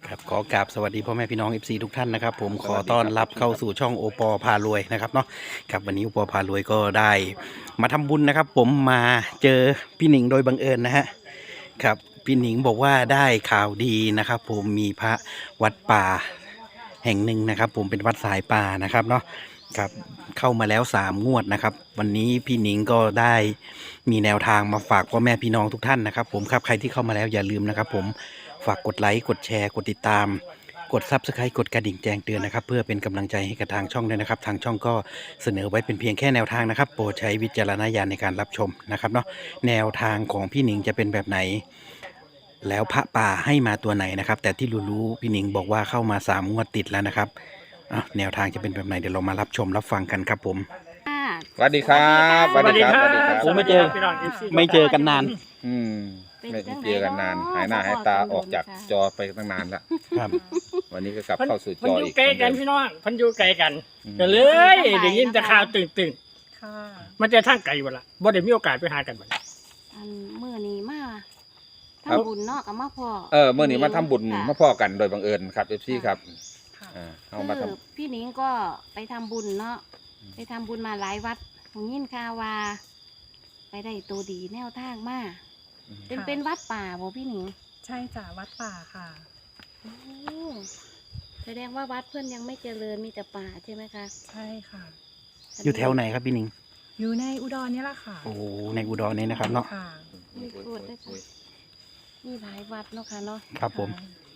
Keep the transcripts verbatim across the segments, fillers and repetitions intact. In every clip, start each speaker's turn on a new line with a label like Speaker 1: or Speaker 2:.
Speaker 1: ครับขอกราบสวัสดีพ่อแม่พี่น้อง เอฟ ซี ทุกท่านนะครับผมขอต้อนรับเข้าสู่ช่องโอปอพารวยนะครับเนาะครับวันนี้โอปอพารวยก็ได้มาทำบุญนะครับผมมาเจอพี่หนิงโดยบังเอิญนะฮะครับพี่หนิงบอกว่าได้ข่าวดีนะครับผมมีพระวัดป่าแห่งหนึ่งนะครับผมเป็นวัดสายป่านะครับเนาะครับเข้ามาแล้วสามงวดนะครับวันนี้พี่หนิงก็ได้มีแนวทางมาฝากพ่อแม่พี่น้องทุกท่านนะครับผมครับใครที่เข้ามาแล้วอย่าลืมนะครับผมฝากกดไลค์กดแชร์กดติดตามกด ซับสไครบ์ กดกระดิ่งแจ้งเตือนนะครับเพื่อเป็นกำลังใจให้กับทางช่องด้วยนะครับทางช่องก็เสนอไว้เป็นเพียงแค่แนวทางนะครับโปรดใช้วิจารณญาณในการรับชมนะครับเนาะแนวทางของพี่หนิงจะเป็นแบบไหนแล้วพระป่าให้มาตัวไหนนะครับแต่ที่รู้ๆพี่หนิงบอกว่าเข้ามาสามงวดติดแล้วนะครับอ่ะแนวทางจะเป็นแบบไหนเดี๋ยวเรามารับชมรับฟังกันครับผม
Speaker 2: สวัสดีครับสวัสดีครับ
Speaker 3: สวัสดีครับ
Speaker 1: ผมไม่เจอ
Speaker 3: พี่น้อง เอฟซี
Speaker 1: ไม่เจอกันนาน
Speaker 2: อืมไม่ได้เจอกันนานหายหน้าหายตาออกจากจอไปตั้งนานละ
Speaker 1: ครับ
Speaker 2: วันนี้ก็กลับ
Speaker 3: เพิ่น
Speaker 2: เข้าสู่
Speaker 3: เพิ่
Speaker 2: จ
Speaker 3: น
Speaker 2: อ
Speaker 3: อยู่
Speaker 2: อีก
Speaker 3: ไกลกัน
Speaker 2: เหมือ
Speaker 3: พี่
Speaker 2: เดิม
Speaker 3: น้องเพิ่นอยู่ไกลกัน
Speaker 2: อืม
Speaker 3: ก็เลยได้ยินแต่ข่าวตื่นตื่น
Speaker 4: ค่ะ
Speaker 3: ๆมันจะทางไกลบ่ล่ะบ่ได้มีโอกาสไปหากันบ่
Speaker 5: อันมื้อนี้มาทำบุญเนาะกับมาพ่อ
Speaker 2: เออเมื่อนี้มาทำบุญ
Speaker 5: ค่ะ
Speaker 2: มาพ่อกันโดยบังเอิญครับเอฟซีครับ
Speaker 4: ค่ะ
Speaker 2: อ่าเอามาท
Speaker 5: คือพี่หนิงก็ไปทำบุญเนาะไปทำบุญมาหลายวัดผมยินข่าวว่า ไปได้ตัวดีแนวทางมา
Speaker 2: ำ
Speaker 5: เป็นเป็นวัดป่าบ่พี่หนิง
Speaker 4: ใช่จ้ะวัดป่าค่ะ
Speaker 5: โอ้แสดงว่าวัดเพื่อนยังไม่เจริญมีแต่ป่าใช่ไหมคะ
Speaker 4: ใช่ค่ะ
Speaker 1: อยู่แถวไหนครับพี่หนิง
Speaker 4: อยู่ในอุดรนี่แหละค่ะ
Speaker 1: โอ้ในอุดรนี่นะครับเนาะ
Speaker 4: ค่ะ
Speaker 5: มีโคตรด้วยค่ะมีหลายวัดเนาะค่ะเนาะ
Speaker 1: ครับผม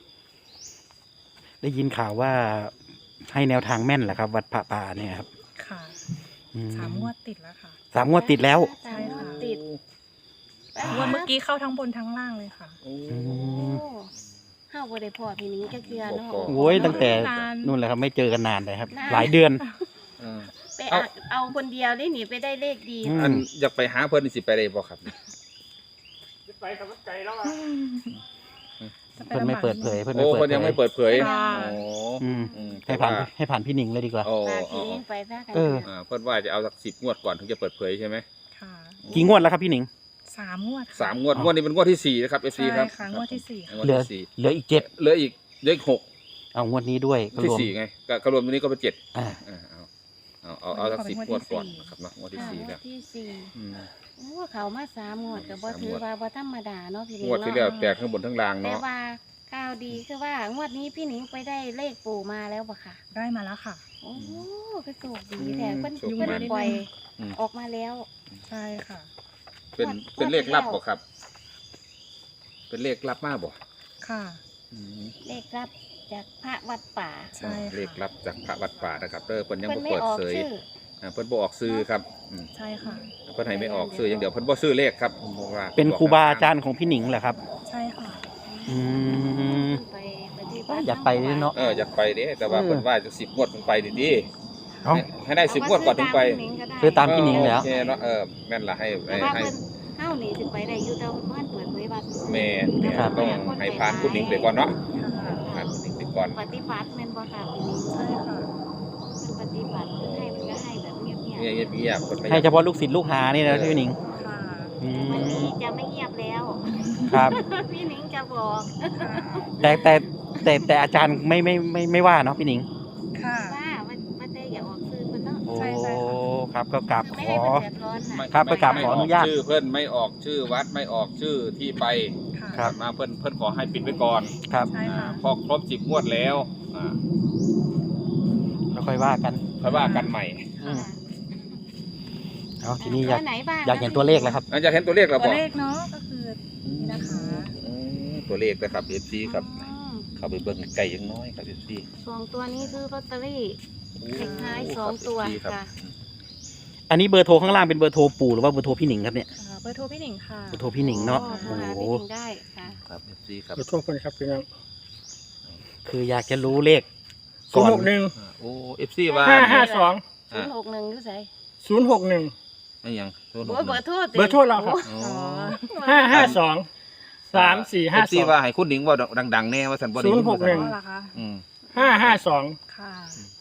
Speaker 1: ได้ยินข่าวว่าให้แนวทางแม่นแหละครับ วัดพระป่าเนี่ยครับ
Speaker 4: ค่ะ
Speaker 1: อื
Speaker 4: สามงวดติดแล้วค่ะ
Speaker 1: สามงวดติดแล้ว
Speaker 5: สามงวดติด
Speaker 4: งวดเมื่อกี้เข้าทั้งบนทั้งล่างเลยค่ะ
Speaker 2: โอ้
Speaker 1: อื
Speaker 5: โอ้
Speaker 1: ม
Speaker 5: ห้าบ่ได้พอพี่หนิงจักเทื่อเนาะ
Speaker 1: โอ้ยตั้งแต่
Speaker 4: นาน
Speaker 1: นู่นแหละครับไม่เจอกันนานเลยครับ
Speaker 5: นาน
Speaker 1: หลายเดือน
Speaker 2: เออ
Speaker 5: ไปอักเอาคนเดียวได้หนีไปได้เลขดี
Speaker 1: อืม
Speaker 2: อันอยากไปหาเพื่อนนี่สิไปได้บ่ครับ
Speaker 3: ไปกับไกลแล้วอ่ะ
Speaker 4: จะ
Speaker 1: เพื่อนไม่เปิดเผยเพื่อน
Speaker 2: โอ้
Speaker 1: ไม่
Speaker 2: คนยังไม่
Speaker 1: เปิดเผย
Speaker 2: เปิดเผย
Speaker 4: ค่ะ
Speaker 2: โอ้
Speaker 1: อืม
Speaker 2: อืม
Speaker 1: ให้ผ่านให้ผ่านพี่หนิงเลยดีกว่า
Speaker 2: โอ้
Speaker 5: ฝาก
Speaker 2: โอ้
Speaker 5: พี่หนิงไปซะกัน
Speaker 1: เออ
Speaker 2: อ่าเพื่อนว่าจะเอาสักสิบงวดก่อนถึงจะเปิดเผยใช่ไหม
Speaker 4: ค่ะ
Speaker 1: กี่งวดแล้วครับพี่หนิง
Speaker 4: สามงวดค่ะ
Speaker 2: สามงวดงวดนี้เป็นงวดที่สี่นะครับเอฟซี
Speaker 4: ใช่
Speaker 2: ครับ
Speaker 4: ค่ะงวดที่สี่ค่ะ
Speaker 2: งวด
Speaker 1: เหลือ
Speaker 2: ที่สี่
Speaker 1: เหลืออีกเจ็ด
Speaker 2: เหลืออีกเหลืออีกหก
Speaker 1: เอางวดนี้ด้วยก็
Speaker 2: ที่
Speaker 1: รวม
Speaker 2: สี่ไงก็ก็รวมตัวนี้ก็เป็นเจ็ด
Speaker 1: อ่า
Speaker 2: อ่าเอาเอาเอาเอาสักสิบงวดก่อนนะครับเนาะงวดที่
Speaker 5: ค่ะ
Speaker 2: สี่
Speaker 5: งว
Speaker 2: แล้ว
Speaker 5: ดที่สี่
Speaker 2: อืม
Speaker 5: โอ้เขามาสามงวดก็บ่
Speaker 2: สามงวด
Speaker 5: ถือว่าบ่ธรรมดาเนาะพี่หนิ
Speaker 2: ง
Speaker 5: ง
Speaker 2: วดที่แล้ว
Speaker 5: เนาะ
Speaker 2: แตกทั้งบนทั้งล่าง
Speaker 5: แต่
Speaker 2: เนาะ
Speaker 5: ว่าข่าวดีคือว่างวดนี้พี่หนิงไปได้เลขปู่มาแล้วบ่ค่ะ
Speaker 4: ได้มาแล้วค่ะ
Speaker 5: โอ้ก็โชคดีแท้เพิ่น
Speaker 4: โชคดี
Speaker 5: เพิ่นปล่อย
Speaker 2: อืม
Speaker 5: ออกมาแล้ว
Speaker 4: ใช่ค่ะ
Speaker 2: เป็นเป็นเลขลับบ่ครับ เป็นเลขลับมากบ่
Speaker 4: ค่ะ
Speaker 2: อืม
Speaker 5: เลขรับจากพระวัดป่า
Speaker 4: ใช่ค่ะ
Speaker 2: เลขลับจากพระวัดป่านะครับเด้อเพิ่นยัง
Speaker 5: เพิ่น
Speaker 2: บ่
Speaker 5: ไม่
Speaker 2: เปิด
Speaker 5: ออก
Speaker 2: เผย
Speaker 5: ชื่อ
Speaker 2: อ่าเพิ่นบ่ออกซื้อครับอืม
Speaker 4: ใช่ค่ะ
Speaker 2: เพิ่นให้ไม่ออกซื้ออย่างเดียวเพิ่นบ่ซื้อเลขครับผมบอกว่า
Speaker 1: เป็นครูบาอาจารย์ของพี่หนิงเหรอครับ
Speaker 4: ใช่ค่ะ
Speaker 1: อืม
Speaker 5: ไปปฏิบัติ
Speaker 1: อยากไปด้วยเนาะ
Speaker 2: เอออยากไปเด้แต่ว่า
Speaker 1: เออ
Speaker 2: เพิ่นว่าจะสิบงวดมันไปดี
Speaker 1: เอ้า
Speaker 2: ๆให้ได้สิบงวดก่อนถึงไป
Speaker 1: ซื้อตามพี่หนิงแล้ว
Speaker 2: โอเคเนาะเออแม่นละให้
Speaker 5: แต่
Speaker 2: ให้
Speaker 5: ว่า
Speaker 2: ให้
Speaker 5: เพิ่นเฮานี่สิไปได้อยู่แต่ว่าเพิ่นเปิดเผยว่า
Speaker 2: แม่แม่
Speaker 1: ครับ
Speaker 2: ต้องให้ผ่านคุณหนิงไปก่อนเนาะ
Speaker 4: ค่ะ
Speaker 2: ผ่านคุณหนิงไปก่อน
Speaker 5: ปฏิบัติแม่นบ่ค่ะพี่หนิง
Speaker 4: ใช่ค่ะ
Speaker 5: เพิ่นปฏิบัติเพิ่นให้เพิ่นก็ให้แบบเงียบ
Speaker 2: เงียบเงียบๆคนไม่
Speaker 1: ให้เฉพาะลูกศิษย์ลูกหานี่นะพี่หนิง
Speaker 4: ค่ะ
Speaker 1: อื
Speaker 5: ๆวัน
Speaker 1: ม
Speaker 5: นี้จะไม่เงียบแล้ว
Speaker 1: ครับ
Speaker 5: พี่หนิงจะบอก
Speaker 4: ค่ะ
Speaker 1: แต่แต่แต่แต่อาจารย์ไม่ไม่ไม่ไม่ว่าเนาะพี่หนิง
Speaker 4: ค่ะ
Speaker 5: ว่ามันมันได้อย่าออกสื่อเพิ่นเนาะ
Speaker 1: โอ้
Speaker 4: ใช่ใช่ค่ะ
Speaker 1: ครับก็กราบ
Speaker 5: คือ
Speaker 1: ข
Speaker 5: ไม่
Speaker 1: อ
Speaker 5: ให้เพิ่นเดือดร้อนน่ะ
Speaker 2: ไม่
Speaker 1: ครับไปกราบ
Speaker 2: ไม่
Speaker 1: ขออนุญาต
Speaker 2: ไม่กชื่อเพื่อนไม่ออกชื่อวัดไม่ออกชื่อที่ไป
Speaker 4: ค่ะ
Speaker 1: ครับ
Speaker 2: มาเพื่อนเพื่อนขอให้ปิดไว้ก่อน
Speaker 1: ครับ
Speaker 4: ใช่ค่ะ
Speaker 2: อ่าพอครบสิบงวดแล้วอ่า
Speaker 1: แล้วค่อยว่ากัน
Speaker 2: ค่อยว่ากันใหม่
Speaker 1: อืมเอาทีนี้อยาก
Speaker 5: ตัวไหนบ้าง
Speaker 1: อยากเห็นตัวเลขแล้วครับ
Speaker 2: อาจจะเห็นตัวเลขแล้ว
Speaker 4: ตัว
Speaker 2: บ่
Speaker 4: เลขเนาะก็คือนี่นะคะ
Speaker 2: อืมตัวเลขนะครับเอฟซีครับ
Speaker 5: อืม
Speaker 2: เข้าไปเบิ่งไก่ยังน้อยครับเอฟซี
Speaker 5: สองตัวนี้คือลอตเตอรี่ เลขท้ายสองตัวค่ะ
Speaker 1: อันนี้เบอร์โทรข้างล่างเป็นเบอร์โทรปู่หรือว่าเบอร์โทรพี่หนิงครับเนี่ย
Speaker 4: อ่าเบอร์โทรพี่หนิงค่ะ
Speaker 1: เบอร์โทรพี่หนิงเนาะ
Speaker 5: โอ้โทร
Speaker 1: โอ้
Speaker 5: หา
Speaker 1: โห
Speaker 5: พี่หนิงได้ค่ะ
Speaker 2: ครับเอฟซีครับ
Speaker 3: ขอโทษคนครับพี่น้อง
Speaker 1: คืออยากจะรู้เลข
Speaker 3: ศู
Speaker 1: ก่
Speaker 3: น
Speaker 1: อน
Speaker 3: ย์หกหนึ่ง
Speaker 2: อ่าโอ้เอฟซีว่า
Speaker 3: ห้าห้าสอง
Speaker 5: ศูนย์หกหนึ่งอยู่ไส
Speaker 3: ศูนย์หกหนึ่ง
Speaker 2: ไม่ยังโทษ
Speaker 5: โอ้ยเบอร์โทรติ
Speaker 3: เบอร์โทรเราครับ
Speaker 2: โอ้
Speaker 4: อ๋อ
Speaker 3: ห้าห้าสองสามสี่
Speaker 2: เอ
Speaker 3: ห้า
Speaker 2: ฟ
Speaker 3: ส
Speaker 2: ซี
Speaker 3: อง
Speaker 2: ว่าให้คุณหนิงว่าดังๆแน่ว่าสันบ่ได้
Speaker 3: ศูนย์หกหนึ่ง
Speaker 4: อ๋อเหรอคะ
Speaker 2: อืม
Speaker 3: ห้าห้าสอง
Speaker 4: ค่ะ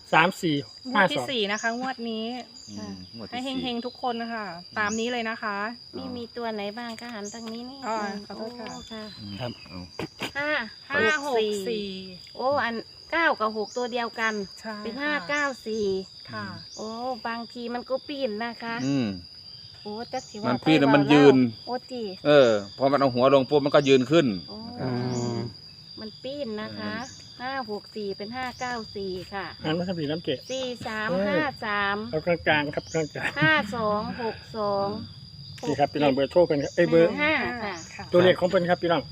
Speaker 3: สามสี่
Speaker 4: งว
Speaker 3: ห้า
Speaker 4: ด
Speaker 3: ส
Speaker 4: ที่
Speaker 3: อง
Speaker 4: สี่นะคะ งวดนี้
Speaker 2: อืมงวด
Speaker 4: ให้
Speaker 2: ที่
Speaker 4: เฮ
Speaker 2: สี่
Speaker 4: งๆทุกคนนะคะ ตามนี้เลยนะคะ
Speaker 5: มีมีตัวไหนบ้างก็หันทางนี้นี่
Speaker 4: อ๋อ
Speaker 5: นึง
Speaker 4: ขอโทษค่ะ
Speaker 5: โค่ะ
Speaker 2: อืม
Speaker 1: ครับ
Speaker 2: เอา
Speaker 5: ห้า
Speaker 4: ห้าหกสี่
Speaker 5: โอ้อันเก้ากับหกตัวเดียวกัน
Speaker 4: ใช่
Speaker 5: เป็นห้าเก้าสี่
Speaker 4: ค่ะ
Speaker 5: โอ้บางทีมันก็ปีนนะคะ
Speaker 2: อืม
Speaker 5: โอ้จักสิ
Speaker 2: มั
Speaker 5: ว่าน
Speaker 2: ปีนแล้วมัน
Speaker 5: ไปเว้า
Speaker 2: ยืน
Speaker 5: โอ้จี
Speaker 2: เออพอมันเอาหัวลงปุ๊บมันก็ยืนขึ้น
Speaker 5: โอ้
Speaker 1: อืม
Speaker 5: มันปีนนะคะห้าหกสี่เป็นห้าเก้าสี่ค่ะ
Speaker 3: อันมาทำผีน้ำเกะ
Speaker 5: สี่สาม
Speaker 3: เออ
Speaker 5: ห้าสาม
Speaker 3: เอากลางๆครับกลาง
Speaker 5: ห้าสองหกสอง
Speaker 3: ๆนี่ครับพี่น้องเบอร์โทรเป็นครับเอ้ยเบอร์
Speaker 5: ห้าค่ะ
Speaker 4: ค่ะ
Speaker 3: ตัวเลขของเป็นครับพี่น้อง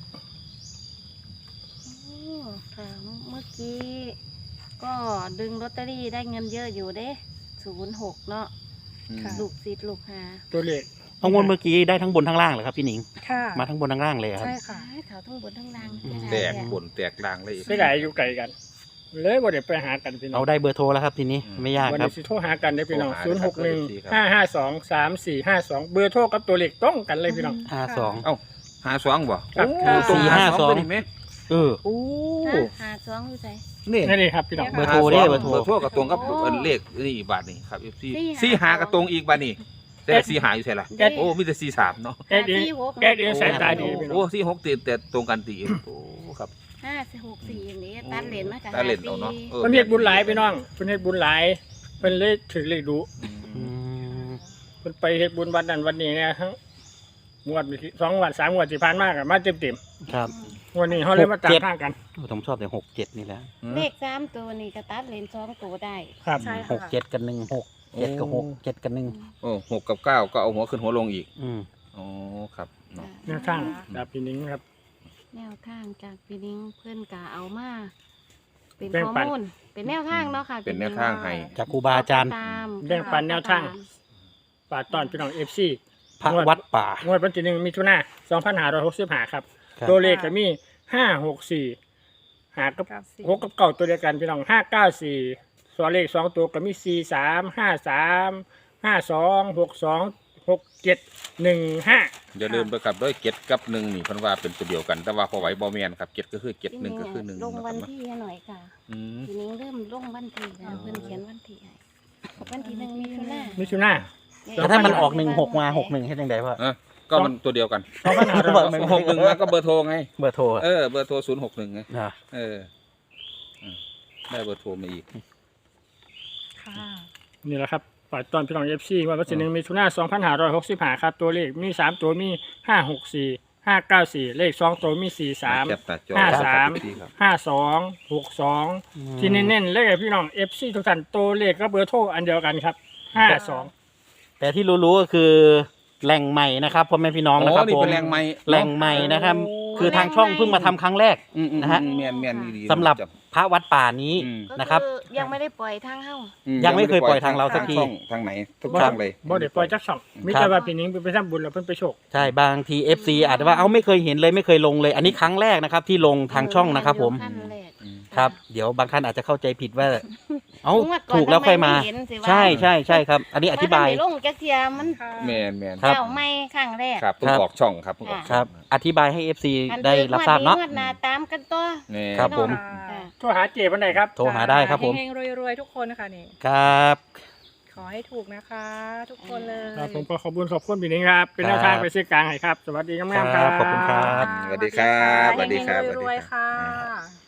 Speaker 5: โอ้ค่ะเมื่อกี้ ก็ดึงลอตเตอรี่ได้เงินเยอะอยู่เด้ศูนย์หกเนาะ
Speaker 4: ค่ะ
Speaker 5: ลูกศิษย์ลูกหา
Speaker 3: ตัวเลข
Speaker 1: เอางวดเมื่อกี้ได้ทั้งบนทั้งล่างเหรอครับพี่หนิง
Speaker 4: ค่ะ
Speaker 1: มาทั้งบนทั้งล่างเลยครับ
Speaker 4: ใช่ค่ะ
Speaker 5: ให้เขาทั้งบนทั้งล่าง
Speaker 1: อืม
Speaker 2: แตกบนแตกล่างเลยอีก
Speaker 3: ไม่ได้อยู่ไกลกัน เลยบ่ได้ไปหากันพี่น้อ
Speaker 1: เอา
Speaker 3: ง
Speaker 1: ได้เบอร์โทรแล้วครับทีนี้
Speaker 2: อืม
Speaker 1: ไม่ยาก
Speaker 3: วัน
Speaker 1: ครับ
Speaker 3: นี้สิโทรหากันได้พี่น้อง
Speaker 2: โทร
Speaker 3: ศูนย์
Speaker 2: หา
Speaker 3: หกหนึ่ง
Speaker 2: ครับ
Speaker 3: ห้าห้าสองสามสี่ห้าสองเบอร์โทรกับตัวเลขต้องกันเลยพี่น้อง
Speaker 1: ห้าสอง
Speaker 2: เอ้าหาสองบ่
Speaker 3: ครับ
Speaker 2: โอ้ตรง
Speaker 1: สี่ห้าสอง
Speaker 2: ตัวนี้ไหม
Speaker 1: เออ
Speaker 2: โอ้
Speaker 5: ฮะหาสองอยู่ไหน
Speaker 2: นี่
Speaker 3: นี่นี่ครับพี่น้อง
Speaker 1: เบอร์โทรเด้เบอร์โทร
Speaker 2: เบอร์โทรกับตรงกับ
Speaker 5: โอ้
Speaker 2: เอิ้นเลขนี่อีกบาทนี่ครับเอฟซี
Speaker 5: สี่
Speaker 2: สี่
Speaker 5: หา
Speaker 2: หากับตรงอีกบาทนี่แต่สี่หาอยู่ใช่ละ
Speaker 5: เด้
Speaker 2: โอ้มีแต่สี่สามเนาะ
Speaker 3: แอดเอง
Speaker 5: สี่หก
Speaker 3: แอดเองสายตาดีพี่น้
Speaker 2: โอ้
Speaker 3: อง
Speaker 2: สี่หกตีแต่ตรงกันตีโอ้ครับ
Speaker 5: ห้าสี่หกสี่อย่างนี้ตัดเลนมากับ
Speaker 2: ตาเล่นเอาเนาะออ
Speaker 3: เพิ่นเฮ็ดบุญหลายพี่น้องเพิ่นเฮ็ดบุญหลายเพิ่นเลยถือเลขดู
Speaker 1: อืม
Speaker 3: เพิ่นไปเฮ็ดบุญวันนั้นวันนี้เนี่ยทั้งงวดที่สองงวดสามงวดที่ผ่านมาก็มาเต็ม
Speaker 1: ครับ
Speaker 3: ๆงวดนี้เฮาเลยมาตา
Speaker 1: หกเจ็
Speaker 3: ม
Speaker 1: ด
Speaker 3: ทางกัน
Speaker 1: ผมชอบแต่หกเจ็ดนี่แหละ
Speaker 5: เลขสามตัวนี่ก็ตัดเลนสองตัวได้
Speaker 3: ครับ
Speaker 4: ใช่
Speaker 1: หกเจ็ดกับหนึ่งหกเจ็ดกับหกเจ็ดกับหนึ่ง
Speaker 2: โอ้หกกับเก้าก็เอาหัวขึ้นหัวลงอีก
Speaker 1: อืม
Speaker 2: อ๋อครับเนาะ
Speaker 3: แนวทางจากพี่นิ้งครับ
Speaker 5: แนวทางจากพี่นิ้งเพื่อนกะเอามาเป็น
Speaker 3: แบ่ง
Speaker 5: ข้อ
Speaker 3: ปัน
Speaker 5: มูลเป็นแนวทางเนาะค่ะ
Speaker 2: เป็นแนวทางให้
Speaker 1: จากครูบาอาจารย์
Speaker 5: ตาม
Speaker 3: แบ่งปันแนวทาง ฝากตอนพี่น้อง เอฟ ซี
Speaker 1: พระวัดป่าง
Speaker 3: วดวันที่หนึ่งมิถุนายนสองพันห้าร้อยหกสิบห้าครับ
Speaker 1: ครับ
Speaker 3: ตัวเลขก็มีห้าหกสี่หากับ
Speaker 4: เก้าสี่
Speaker 3: หกกับเก่าตัวเดียวกันพี่น้องห้าเก้าสี่ตัวเลขสองตัวก็มีสี่สามห้าสามห้าสองหกสองหกเจ็ดหนึ่งห้า
Speaker 2: อย่าลืมไปกับด้วยเจ็ดกับหนึ่งนี่เพันว่าเป็นตัวเดียวกัน แต่ว่าพอไหวบอแมนครับเจ็ดก็คือเจ็ดหนึ่งก็คือหนึ่ง
Speaker 5: ลงวัน
Speaker 2: นะครับ
Speaker 5: ที่ให้หน่อยค่ะ
Speaker 2: อืม
Speaker 5: พี่นิ้งเริ่มลงวันที่แล้วเพื่อนเขียนวันที่ให้วันที่หนึ่งมิถุนา
Speaker 3: มิถุนายน
Speaker 1: แล้วถ้ามันออกหนึ่งหกมาหกหนึ่งให้ยังไงพ่อ
Speaker 2: อ่ะก็มันตัวเดียวกัน
Speaker 3: สองพันห้าร้อยหกสิบ
Speaker 2: หกหนึ่งมาก็เบอร์โทรไง
Speaker 1: เบอร์โทรอะ
Speaker 2: เออเบอร์โทรศูนย์หกหนึ่งไง
Speaker 1: อ่า
Speaker 2: เอออืมได้เบอร์โทรมาอีก
Speaker 4: ค่ะ
Speaker 3: นี่แหละครับฝากตอนพี่น้อง เอฟ ซี ว่าวันที่หนึ่งมิถุนายนสองพันห้าร้อยหกสิบห้าครับตัวเลขมีสามตัวมีห้าหกสี่ห้าเก้าสี่เลขสองตัวมีสี่สาม
Speaker 2: แคปหน้าจอ
Speaker 3: ห้าสาม
Speaker 2: ครับ
Speaker 3: ห้าสองหกสองที่เน้นๆเลขพี่น้อง เอฟ ซี ทุกท่านตัวเลขก็เบอร์โทรอันเดียวกันครับห้าสอง
Speaker 1: แต่ที่รู้ๆก็คือแหล่งใหม่นะครับพ่อแม่พี่น้องนะครับ
Speaker 2: นี่
Speaker 1: ผม
Speaker 2: เป็นแรงไม้
Speaker 1: แหล่งใหม่นะครับ คือทางช่องเพิ่งมาทำครั้งแรก
Speaker 2: อืมอืม
Speaker 1: นะฮะ
Speaker 2: อืมเมียนเมียนดีๆ
Speaker 1: สำหรับ
Speaker 2: จับ
Speaker 1: พระวัดป่านี้
Speaker 2: อืม
Speaker 5: ก็
Speaker 1: นะครับ
Speaker 5: คือยังไม่ได้ปล่อยทางเข้า
Speaker 2: อื
Speaker 1: ยังไม่เคยปล่อยทางเราสักที
Speaker 2: ช่องทางไหนทุก
Speaker 3: บ่
Speaker 2: ช่องเลย
Speaker 3: บ่ได้ปล่อยจักช่องมิแต่ว่าพี่นิ้งไปทำบุญแล้วเพิ่นไปโชค
Speaker 1: ใช่บางที เอฟ ซี อาจจะว่าเอ้าไม่เคยเห็นเลยไม่เคยลงเลย อันนี้ครั้งแรกนะครับ ที่ลงทางช่องนะครับ ผม
Speaker 5: ขั้นแรก
Speaker 2: อืม
Speaker 1: ครับ เดี๋ยวบางท่านอาจจะเข้าใจผิดว่า เอ้า
Speaker 5: งวดอน
Speaker 1: ถูกแล้วค่อยมา
Speaker 5: ทำไไเห็นสิวะ
Speaker 1: ใช่ใช่ใช่ครับ อันนี้อธิบาย
Speaker 5: ถ้ไม่ลงจักเทียมัน
Speaker 4: ค่ะ
Speaker 2: แมนแมน
Speaker 1: ครับ
Speaker 5: เจ้าไม่ครั้งแรก
Speaker 2: ครับเพิ่ง
Speaker 1: ครับ
Speaker 2: ออกช่องครับเพิ่งออก
Speaker 1: ครับ อธิบายให้ เอฟ ซี
Speaker 5: อัน
Speaker 1: ได้รับทราบเนาะ
Speaker 5: งวดหน้าตามกันตัว
Speaker 2: แม่
Speaker 1: ครับผม
Speaker 5: ค่ะ
Speaker 3: โทรหาเจวันไหนครับ
Speaker 1: โทรหาได้ครับผม
Speaker 4: เฮงๆรวยๆทุกคนนะคะนี่
Speaker 1: ครับ
Speaker 4: ขอให้ถูกนะคะ ทุกคนเลย
Speaker 3: ครับผมก็ขอบคุณขอบคุณพี่นิ้งครับ เป็นแนวทางไปซื้อกลางให้ครับ สวัสดีงามๆค
Speaker 1: ครั
Speaker 3: รั
Speaker 1: บบ ขอบคุณครับ
Speaker 2: สวัสดีครับสวัสดีครับ
Speaker 4: เฮงๆรวย
Speaker 2: สวัสดี
Speaker 4: ๆ
Speaker 2: ครั
Speaker 4: ค่ะ
Speaker 2: บ